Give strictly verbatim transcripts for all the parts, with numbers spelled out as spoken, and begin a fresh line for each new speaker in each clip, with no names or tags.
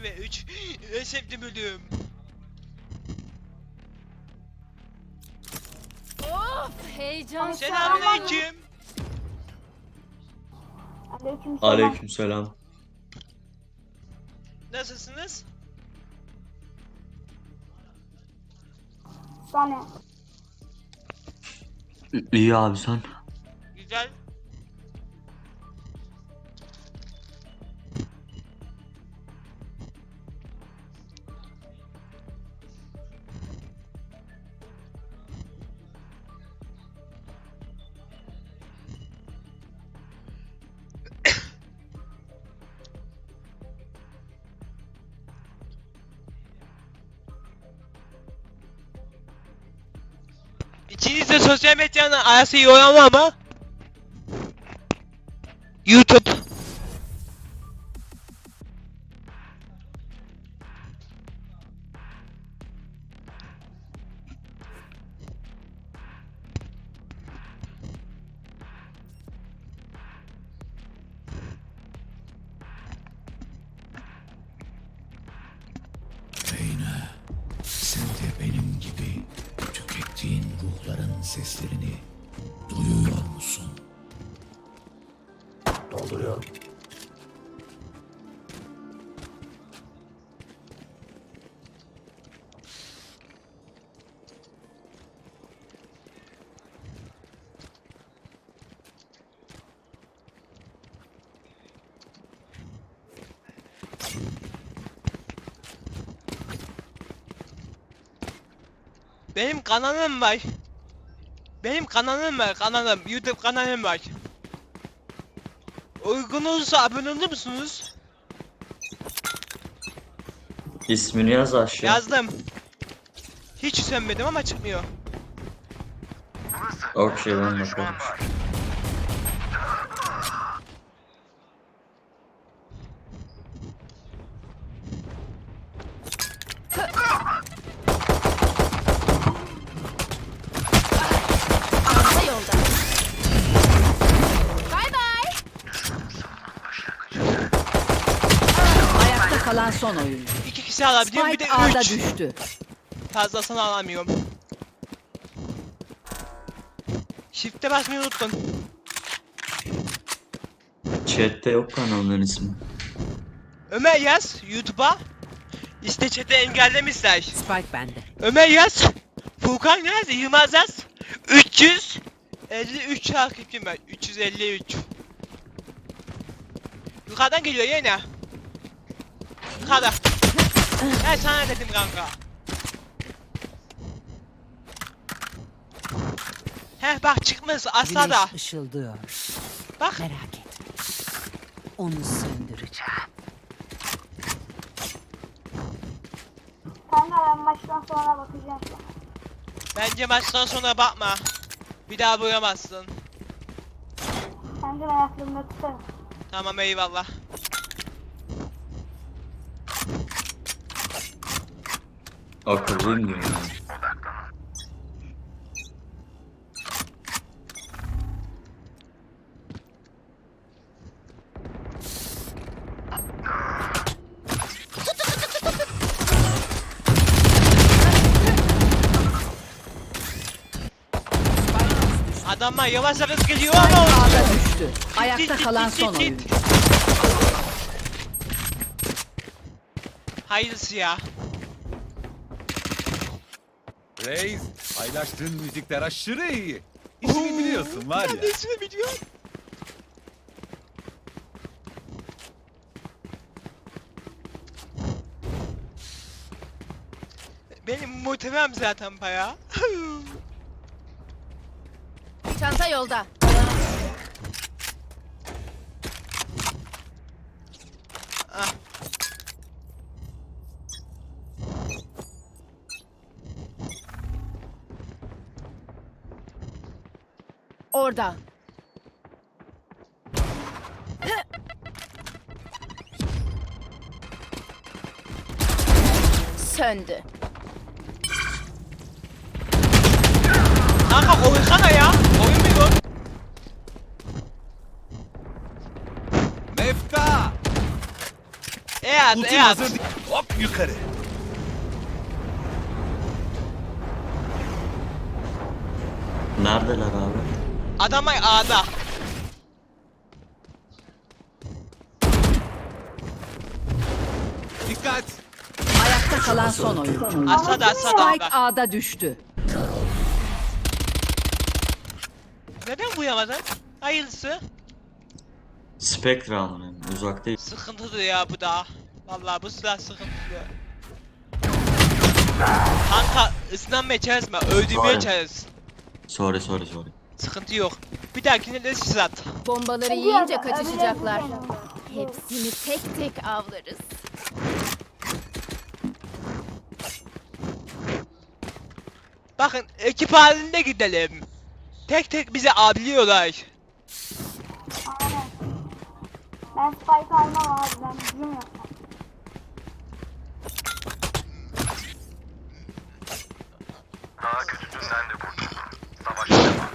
ve üç. En sevdiğim bölüm.
Of heyecan.
Selamünaleyküm.
Aleykümselam.
Aleykümselam.
Nasılsınız?
Sana.
İyi abi sen.
Güzel. İkiniz de sosyal medyanın arası iyi olan var mı? YouTube.
Reyna, sen de benim gibi tükettiğin ruhların seslerini duyuyor musun? Dolduruyorum.
Benim kanalım var. Benim kanalım var, kanalım. YouTube kanalım var. Uygun olursa abone olur musunuz?
İsmini yaz aşağı.
Yazdım. Hiç sönmedim ama çıkmıyor.
Okey ben bakarım.
Çanta yolda. Bay bay.
Ayakta kalan son oyuncu.
İki kişi alabiliyorum, bir de
Spike A'da
üç.
düştü.
Fazlasını alamıyorum. Shift'e basmayı unuttun.
Chat'te yok kanalın ismi.
Ömer yaz YouTube'a. İşte chat'i engellemişler.
Spike bende.
Ömer yaz. Furkan yaz. Yılmaz yaz. üç yüz elli üç takipçim var. üç yüz elli üç. Yukarıdan geliyor yine. Yukarıda. Ben sana dedim kanka. Heh bak çıkmış aşağıda.
Güneş ışıldıyor.
Bak.
Merak etme. Onu söndüreceğim.
Kanka ben maçtan sonra bakacağım sana.
Bence maçtan sonra bakma. Bir daha bulamazsın.
Kanka ben aklımda tutarım.
Tamam eyvallah.
Akıllıyım diyor yani.
Adamlar yavaş yavaş geliyor
Spike
ama
A'da düştü. Ayakta kalan son
Git, git,
oyuncu.
git. Hayırlısı ya.
Reis, paylaştığın müzikler aşırı iyi. İşini biliyorsun var
Sen
ya.
de ismini biliyorsun. Benim muhtemelen zaten bayağı.
Çanta yolda.
Ah.
Orada. Söndü.
Kanka oynasana ya. Oyun mu?
Mefta!
Eee E at,
Ultim
e at.
hazır. Hop yukarı.
Neredeler abi?
Adam A'da.
Dikkat.
Ayakta kalan son oyuncu.
Asada asada
Spike
A'da.
A'da düştü.
Neden vuyamadın? Hayırlısı.
Spectre alın. Uzak değil.
Sıkıntılı ya bu da. Vallahi bu silah sıkıntılı. Kanka ısınanmaya çalışma, öldürmeye
Aynen.
çalış.
Sorry sorry sorry.
Sıkıntı yok. Bir dahakine de siz at.
Bombaları yiyince kaçışacaklar. Hepsini tek tek avlarız.
Bakın ekip halinde gidelim. Tek tek bizi avlıyorlar.
Aynen. Ben spike almam abi. Ben bizim yok.
Daha kötüsünden de kurtuldum. Savaş devam.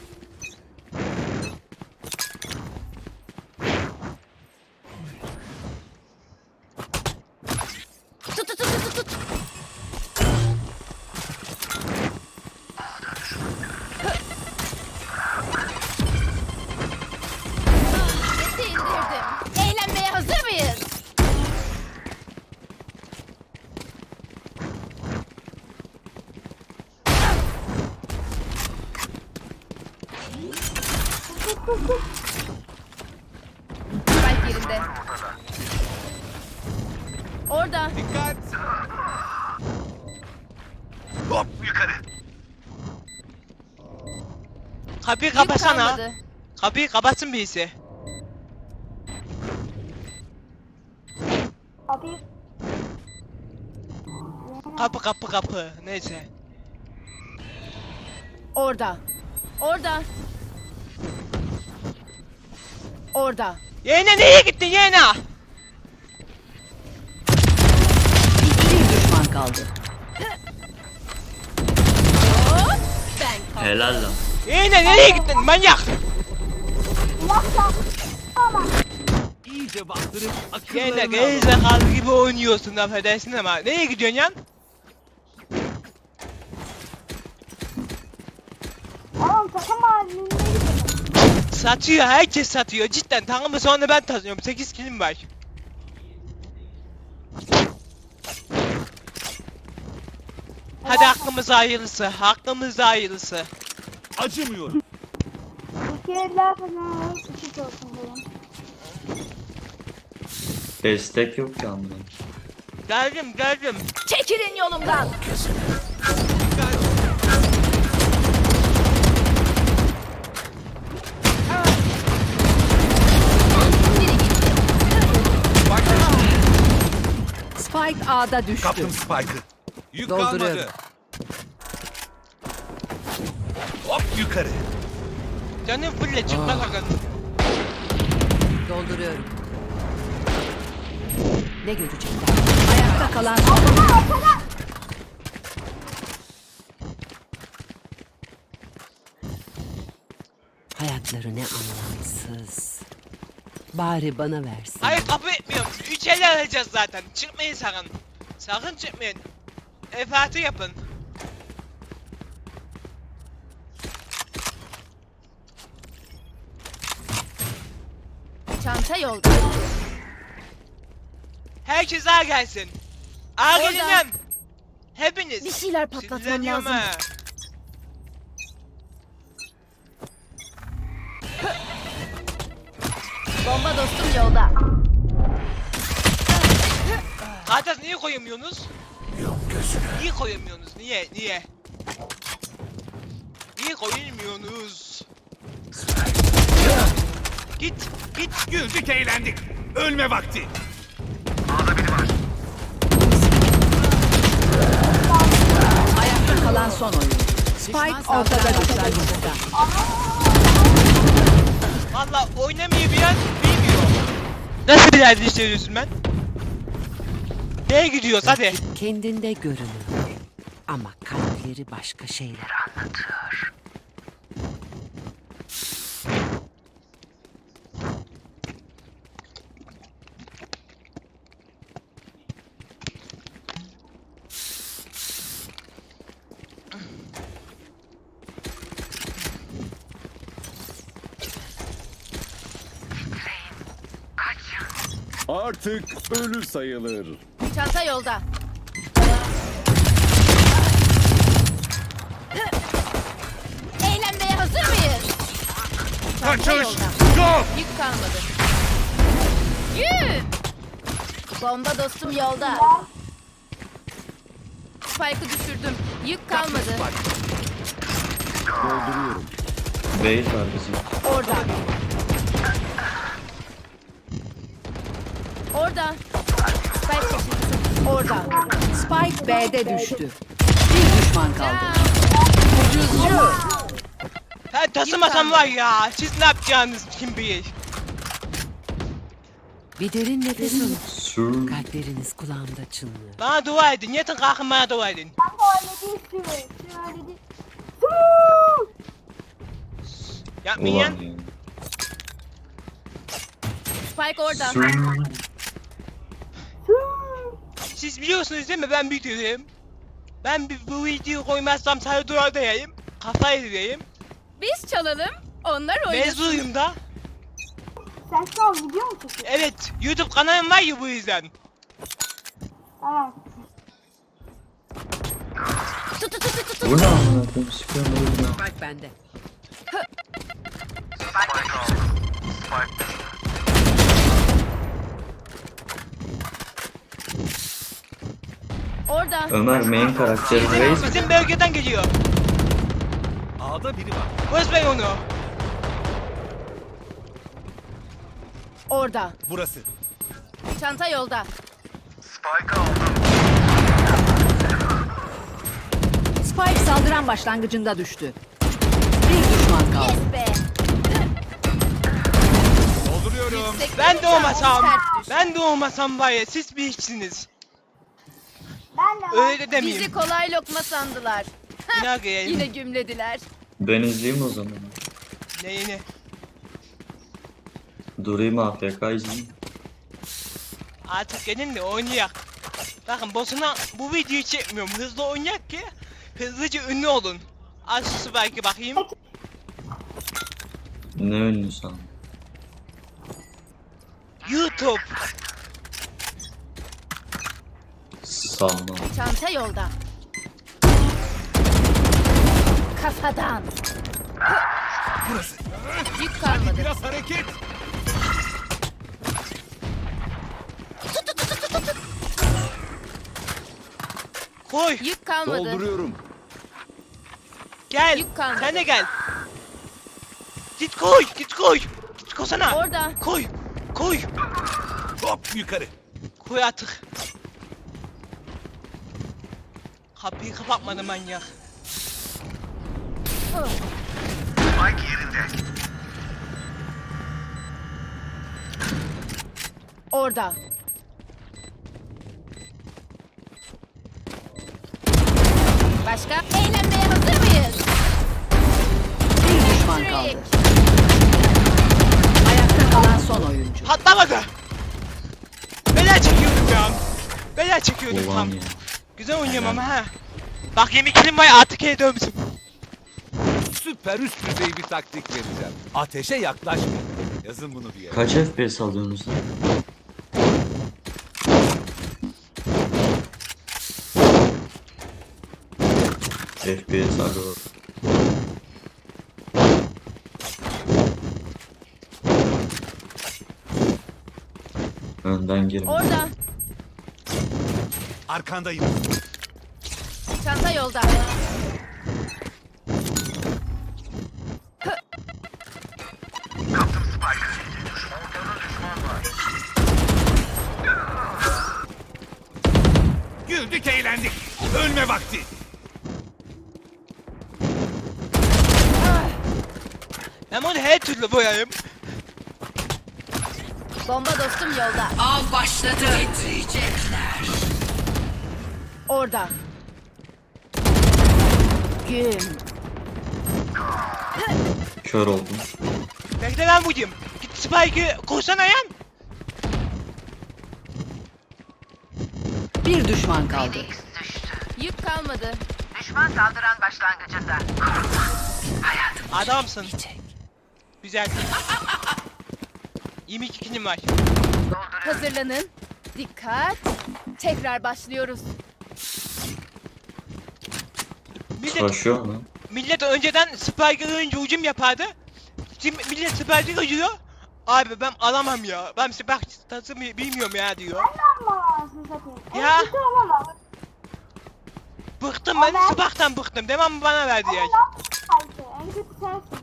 Tut tut tut tut tut. Sesi indirdim. Eğlenmeye hazır mıyız? Spike yerinde. Orada.
Dikkat.
Hop yukarı.
Kapıyı
Yük
kapatsana.
kalmadı.
Kapıyı kapatsın birisi.
Kapıyı
Kapı kapı kapı. Neyse.
Orada. Orada. Orada.
Yeğene nereye gittin yeğene?
Bir düşman kaldı.
Ben
Helal lan.
Yeğene nereye gittin manyak?
İyice bastırıp
Yeğene
akıllarını alın.
gerizekalı gibi oynuyorsun affedersin ama. Nereye gidiyorsun yan?
Oğlum takım halinde gidelim.
Satıyor, herkes satıyor cidden. Takımı sonra ben tanıyorum. sekiz kilim var. Hadi hakkımız hayırlısı. Hakkımız hayırlısı.
Acımıyorum.
İki eller falan küçük olsun benim.
Destek yok ki amına.
Geldim geldim.
çekilin yolumdan.
Dikkat. Bak.
Spike A'da düştü.
Kaptım Spike'ı. Yük
Dolduruyorum.
kalmadı. Hop yukarı.
Canım fulle çıkma sakın.
Dolduruyorum. Ne görecekler? Ayakta kalan son oyuncu. Hayatları ne anlamsız. Bari bana versin.
Hayır kapı etmiyorum. Üç el alacağız zaten. Çıkmayın sakın. Sakın çıkmayın. Efatı yapın.
Çanta yolda.
Herkes ağa gelsin. Ağa
Orada.
gelin lan. Hepiniz.
Bir şeyler patlatmam
Sinirleniyorum
lazım.
ha.
Bomba dostum yolda.
Kardeş niye koyamıyorsunuz? Niye koyamıyorsunuz? Niye? Niye? Niye koyamıyorsunuz? Git, git.
Güldük eğlendik. Ölme vakti.
Ayakta kalan son oyuncu. Spike ortada düştü.
Valla oynamayı biraz bilmiyor. Nasıl bir ders işliyorsun ben? Neye gidiyoruz hadi.
Kendinde görünüyor. Ama kalpleri başka şeyler anlatıyor.
Artık ölü sayılır.
Çanta yolda. Eğlenmeye hazır mıyız? Çanta yolda.
Yok.
Yük kalmadı. Yük! Bomba dostum yolda. Spike'ı düşürdüm. Yük kalmadı.
Dolduruyorum.
Bait var bizim.
Orada. Orada. Spike taşıyıcısı. Orada.
Spike B'de düştü. Bir düşman kaldı. Ucuzcu.
Ben taşımasam var ya. Siz ne yapacağınız kim bilir.
Bir derin nefes alın.
Sür.
Kalpleriniz kulağımda çınlıyor.
Bana dua edin. Yatın kalkın bana dua edin.
Kanka öyle değil sürü. Sürü öyle değil.
Yapmayın.
Ulan ya.
Spike orada.
Sür.
Siz biliyorsunuz değil mi ben büyütüyorum. Ben bir, bu videoyu koymazsam sadece duvarda yayayım. Kafayı yiyeyim.
Biz çalalım. Onlar oynasın.
Mezunuyum da.
Sen şu an video mu çekiyorsun?
Evet. YouTube kanalım var ya bu yüzden.
Evet.
Tut tut tut tut.
Bu ne amına koyayım? Sıkıyorum öldüm.
Spike bende.
Spike aldım. Spike.
Orada.
Ömer main karakteri Reis.
Bizim, bizim bölgeden geliyor.
A'da biri var.
Bozmayın onu.
Orada.
Burası.
Çanta yolda.
Spike aldım.
Spike saldıran başlangıcında düştü. Bir düşman kaldı.
Yes be.
Dolduruyorum.
Yüksek
Ben de
vuracağım,
olmasam.
sert düş.
Ben de olmasam var ya siz bir işsiniz.
Ben de
Öyle de
Bizi
demeyeyim.
kolay lokma sandılar.
Yine gireyim.
Yine gümlediler.
Ben izleyeyim o zaman.
Neyini?
Durayım A F K izleyeyim.
Artık gelin de oynayak. Bakın boşuna bu videoyu çekmiyorum. Hızlı oynayak ki hızlıca ünlü olun. Aç şu belki bakayım.
Ne ünlü sen?
YouTube.
Salma.
Çanta yolda. Kafadan.
Burası.
Yük kalmadı.
Biraz hareket.
Koy.
Yük kalmadı.
Dolduruyorum.
Gel.
Yük kalmadı.
Sen de gel. Git koy. Git koy. Git koysana.
Orada.
Koy. Koy.
Hop yukarı.
Koy artık. Kapıyı kapatmadı manyak.
Spike yerinde.
Orada. Başka? Eğlenmeye hazır mıyız?
Bir düşman kaldı. Ayakta kalan son oyuncu.
Patlamadı. Bela çekiyordum ya. Bela çekiyordum
Ulan
tam.
ya.
Güzel oynuyorum ama ha. Bak yemin kilim var artık el dövmüşüm.
Süper üst düzey bir taktik vereceğim. Ateşe yaklaşmayın. Yazın bunu bir yere.
Kaç F P S alıyorsunuz lan? F P S arıyor. Önden girme.
Orada.
Arkandayım.
Çanta yolda.
Kaptım Spike. Ortada düşman var.
Güldük eğlendik. Ölme vakti.
Ben onu her türlü boyayım.
Bomba dostum yolda.
Av başladı. Titriyecekler.
Orada. Güm.
Kör oldum.
Bekle ben vurayım. Git Spike'ı koysana yan.
Bir düşman kaldı.
Yük kalmadı.
Adamsın. Güzel. yirmi iki kilim var.
Hazırlanın. Dikkat. Tekrar başlıyoruz.
Millet,
Savaşıyor mu?
millet önceden Spike'ın hücum yapardı. Şimdi millet Spike'ı koyuyor. Abi ben alamam ya. Ben Spike tasımı bilmiyorum ya diyor.
Ama anasını satayım. En
Ya.
kötü olamam.
Bıktım ben
Ama-
Spike'tan bıktım. Demem bana verdi ya.
Ama lan Spike'ı. En kötü sensin.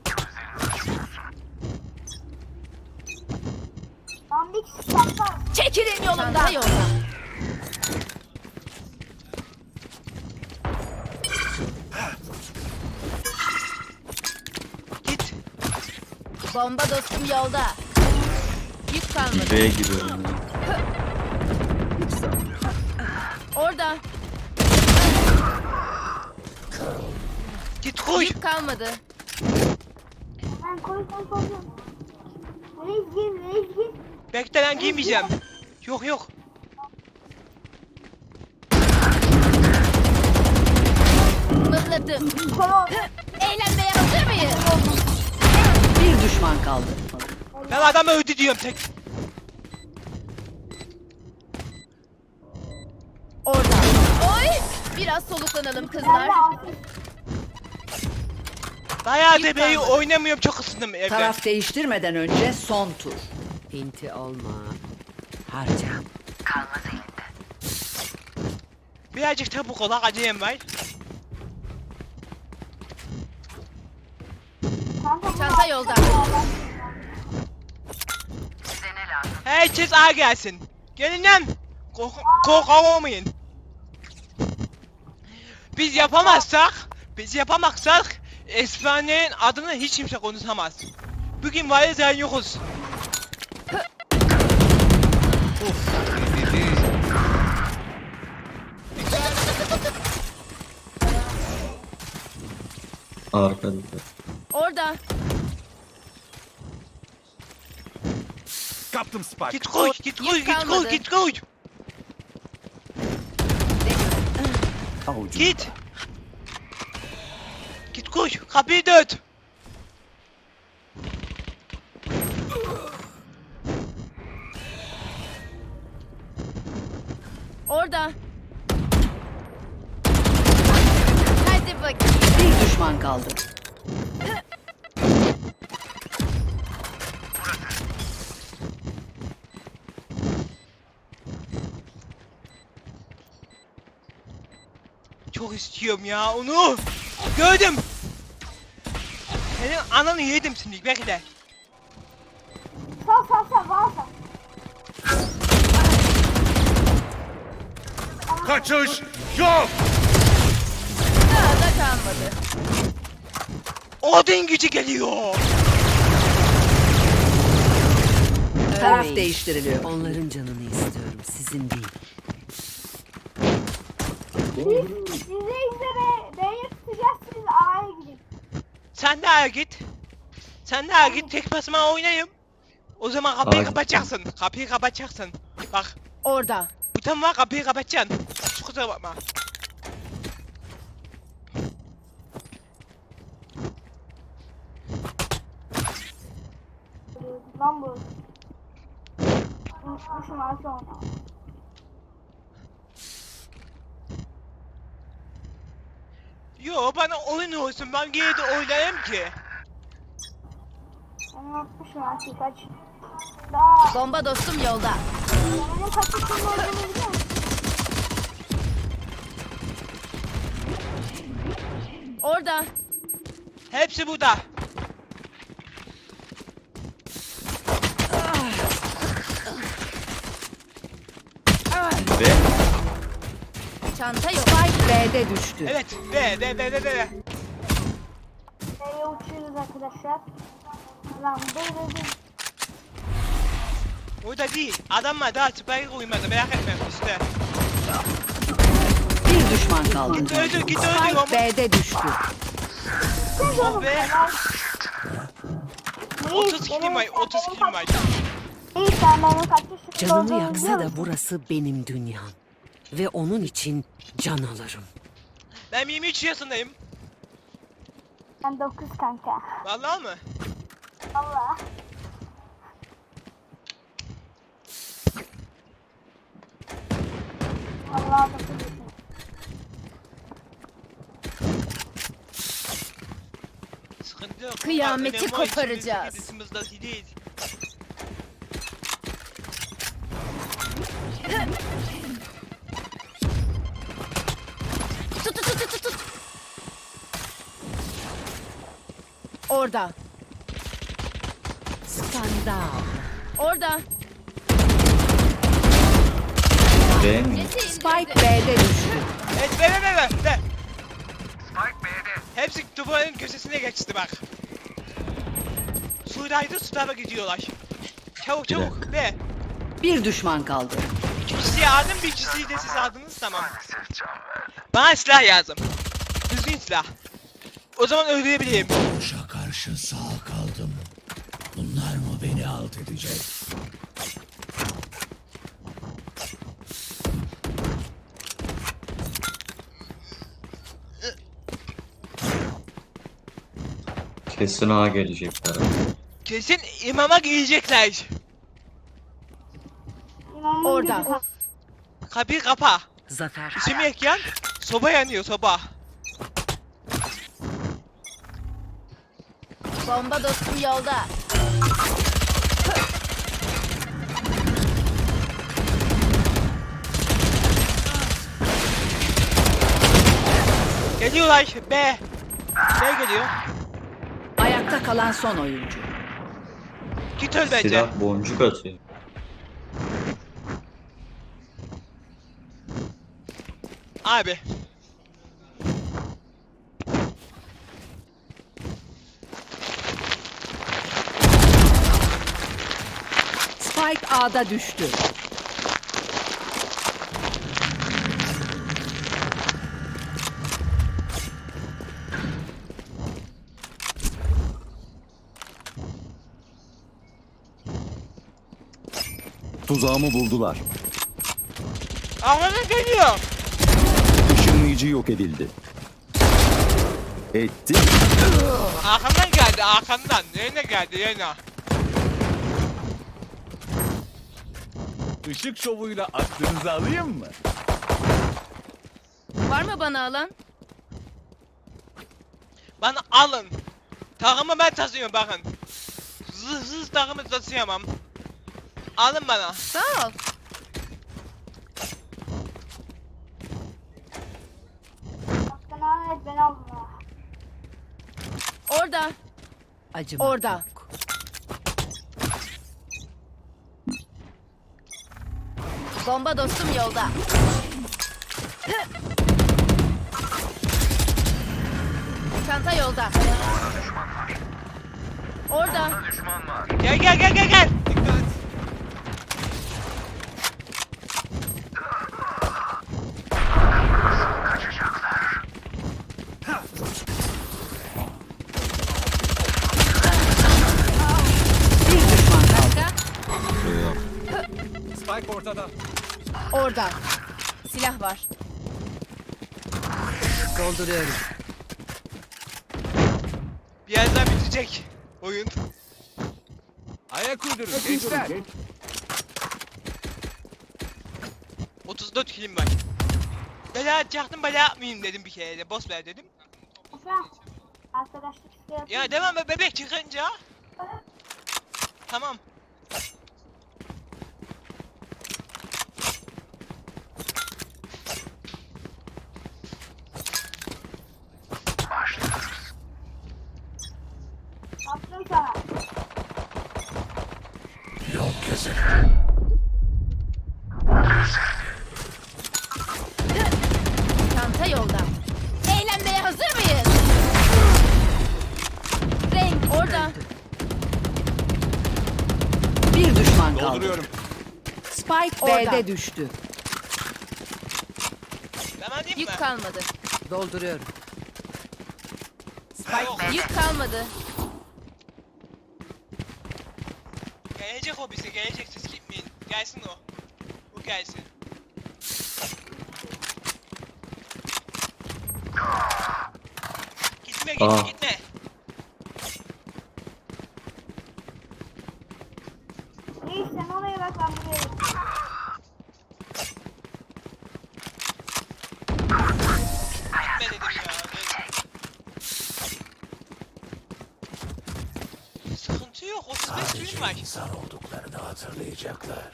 Lan bir kişi saklar.
Çekilin yolumdan. Çanta yolda.
Git.
Bomba dostum yolda. Yük kalmadı.
B'ye giriyorum ya.
Orada.
Git koy.
Yük kalmadı.
Ben koy koy koy. Reis gir reis gir.
Bekle lan giymeyeceğim. Yok yok.
Mıhladım.
Koy ol.
Eğlenmeye hazır mıyız?
Bir düşman kaldı.
Ben adamı öldü diyorum tek.
Orada. Oy! Biraz soluklanalım
Ben
kızlar.
de asist.
Bayağı
Yük
da B'yi
kalmadı.
oynamıyorum çok ısındım evde.
Taraf değiştirmeden önce son tur. Pinti olma. Harca.
Birazcık çabuk ol acıyım var.
Kanka, bu
Çanta yolda.
Herkes A gelsin. Gelin lan. Kork korkamayın. Biz yapamazsak, biz yapamazsak Esfane'nin adını hiç kimse konuşamaz. Bugün var ya sen yokuz.
Ezildi.
Arkada.
Orada.
Kaptım Spike.
Git koy, git koy,
Yük
git koy,
kalmadı.
git koy. Git. Git koy, kapıyı dört.
Orada. Hadi bakayım.
Bir düşman kaldı.
Çok istiyorum ya onu. Gördüm. Senin ananı yedim şimdi bekle.
Sal sal sal bana sal.
Kaçış yok.
Daha da kalmadı.
Odin gücü geliyor.
Taraf
Örneğin.
değiştiriliyor.
Onların canını istiyorum, sizin değil.
Biz, biz reisle B, B'ye tutacağız, siz A'ya gidin.
Sen de A'ya git. Sen de A'ya git tek basma oynayayım. O zaman kapıyı
A'ya
kapatacaksın. Kapıyı kapatacaksın. Bak
Orada.
buton var kapıyı kapatacaksın. Kusura bakma.
Lan bu. Unutmuşum artık onu.
Yo bana oyun olsun ben geri de oynayayım ki.
Ben unutmuşum artık kaç. Daha.
Bomba dostum yolda.
Benim kaç yaşında olduğunu biliyor musun?
Orada.
Hepsi burada.
B.
Çanta yok.
Spike B'de düştü.
Evet be be be be be.
B'ye uçuyoruz arkadaşlar. Lan böyle bir.
Orada değil. Adamlar daha spike'ı koymadı merak etme işte.
Bir düşman kaldı.
Git öldür git öldür
Spike
ama.
B'de düştü.
Oh be. otuz kilim var otuz kilim var.
İyi sen benim kaç yaşında
Canımı
olduğumu
yaksa
biliyor
da
musun?
burası benim dünyam. Ve onun için can alırım.
Ben yirmi üç yaşındayım.
Ben dokuz kanka.
Vallahi mı?
Allah. Allah'a bakıyorsun.
Sıkıntı yok.
Kıyameti
Önemli o
koparacağız.
içimizdeki dışımızdaki değil.
Tut tut tut tut tut. Orada.
Skandal.
Orada.
B mi?
Spike B'de düştü.
Evet be be be be. be.
Spike B'de.
Hepsi duvarın köşesine geçti bak. Sudaydı su tarafa gidiyorlar. Çabuk
Bir
çabuk be.
Bir düşman kaldı.
İki kişiyi aldım bir kişiyi de siz aldınız tamam.
Maalesef can verdi.
Bana silah lazım. Düzgün silah. O zaman öldürebileyim.
Boşa karşı sağ kaldım. Bunlar mı beni alt edecek?
Kesin A gelecekler.
Kesin imama girecekler.
İmamın
Orada.
gücü-
Kapıyı kapa.
Zafer.
İçimi ekyan. Soba yanıyor soba.
Bomba dostum yolda.
Geliyorlar B. B geliyor.
Ayakta kalan son oyuncu.
Git öl bence.
Silah boncuk atıyor.
Abi.
Spike A'da düştü.
Tuzağımı buldular.
Ağlana geliyor.
Işınlayıcı yok edildi. Etti.
Arkamdan geldi arkamdan. Yerine geldi yerine.
Işık şovuyla aklınızı alayım mı?
Var mı bana alan?
Bana alın. Takımı ben taşıyorum bakın. Zırhsız takımı taşıyamam. Alın bana.
Sağ ol.
Hakkını et beni alın ha.
Orada.
Acımak
Orada.
yok.
Bomba dostum yolda. Çanta yolda. Orada.
Düşman var.
Gel gel gel gel gel. Dikkat.
Bir düşman kaldı.
Spike ortada.
Orada. Silah var.
Dolduruyorum.
Birazdan bitecek oyun.
Ayak uydurun gençler.
otuz dört kilim var. Bela atacaktım bela yapmayayım dedim bir kere de. Boss ver dedim.
Efe. Arkadaşlık isteyen.
Ya devam be bebek çıkınca. Tamam.
Attım sana.
Yok kesin.
Çanta yolda. Eğlenmeye hazır mıyız? Renk orada.
Bir düşman kaldı.
Dolduruyorum.
Spike
Orada.
B'de düştü.
Devam edeyim mi?
Yük kalmadı.
Dolduruyorum.
Yok.
Yük kalmadı.
Gelecek o bize gelecek siz gitmeyin. Gelsin o. O gelsin. Gitme gitme
Aa.
gitme.
Reis sen oraya bak ben buraya bakayım.
kilim var.
İnsan olduklarını hatırlayacaklar.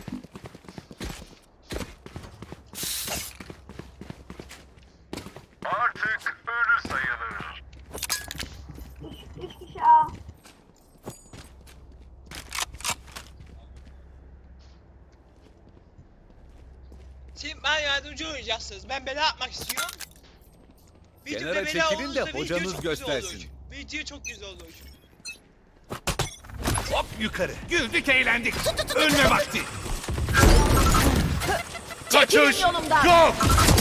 Artık ölü sayılır.
Üç, üç kişi A.
Şimdi ben yardımcı olacaksınız. Ben bela atmak istiyorum.
Kenara
bela
çekilin de
olursa video
hocanız
çok güzel
göstersin.
olur. Video çok güzel olur.
Hop yukarı. Güldük eğlendik. Ölme vakti. Kaçış
yolumdan.
yok.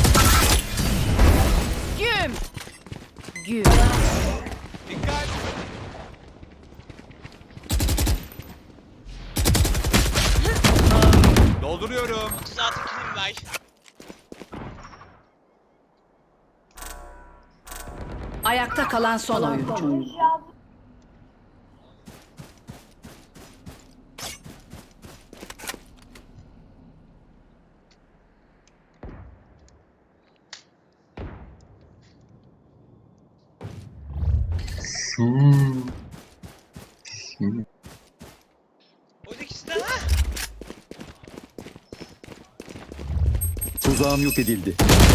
Güm. Güm.
Dikkat. Dolduruyorum.
otuz altı kilim var.
Ayakta kalan son oyuncu.
Üç A.
Hmm. Hmm.
Orada ikisi de ha.
Tuzağım yok edildi.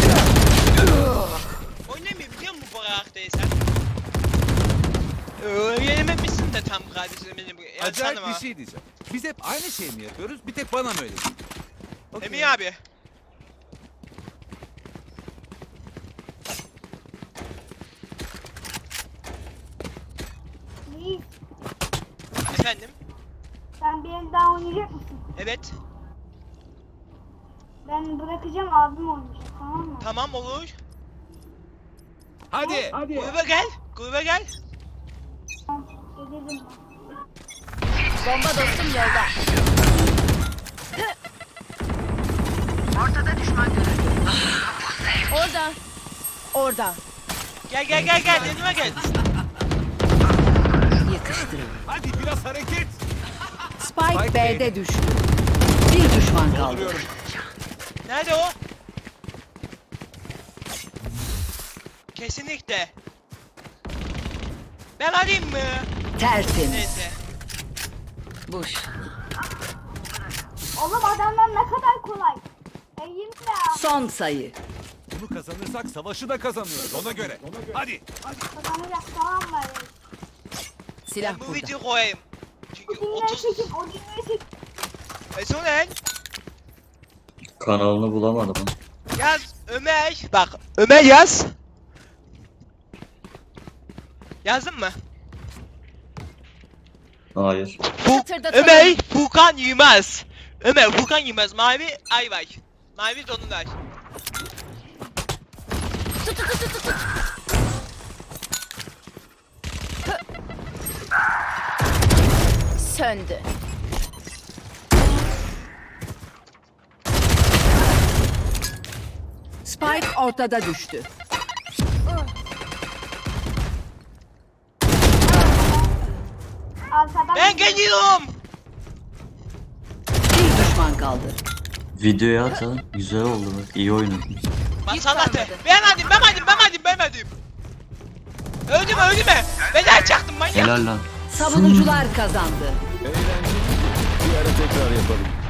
Oynamayı biliyor musun bu karakteri sen? Öğrenememişsin de tam kardeşim benim. Ya
Acayip
sana
bir
bak.
şey diyeceğim. Biz hep aynı şeyi mi yapıyoruz? Bir tek bana mı öyle geliyor? Okey.
Emi abi.
Reis,
Efendim?
sen bir el daha oynayacak mısın?
Evet.
Ben bırakacağım, abim oynayacak, tamam mı?
Tamam olur.
Hadi.
Gruba gel. Gruba gel.
Tamam, gelirim ben.
Bomba dostum yolda.
Ortada düşman görüldü.
Orada. Orada.
Gel gel gel gel. Yanıma gel.
Yakıştırın.
Hadi biraz hareket.
Spike
Spike
B'de düştü. Bir düşman kaldı.
Dolduruyorum.
Nerede o? Kesinlikle. Ben alayım mı?
Tertemiz.
Neyse.
Boş.
Oğlum adamlar ne kadar kolay. Eğim ya.
Son sayı.
Bunu kazanırsak savaşı da kazanıyoruz ona göre. Hadi.
Kazanacak, tamam mı?
Silah
Ben bu
burada.
videoyu koyayım. Çünkü
Odinleri
otuz...
çekin, Odinleri çekin.
E sonra
Kanalını bulamadım.
yaz Ömer. Bak Ömer yaz. Yazdın mı?
Hayır.
Bu
Hatırdatalım.
Ömer Furkan Yılmaz. Ömer Furkan Yılmaz mavi ay var. Mavi donlar.
Söndü.
Spike ortada düştü.
Arkadan
Ben geliyorum.
Bir düşman kaldı.
Videoya at ha. Güzel oldu bak. İyi oynadın.
Masallatı. Beğenmedim, beğenmedim, beğenmedim, beğenmedim. Öldü mü, öldü mü? Beden çaktım manyak.
Helal lan.
Savunucular kazandı.
Eğlenceli. Bir ara tekrar yapalım.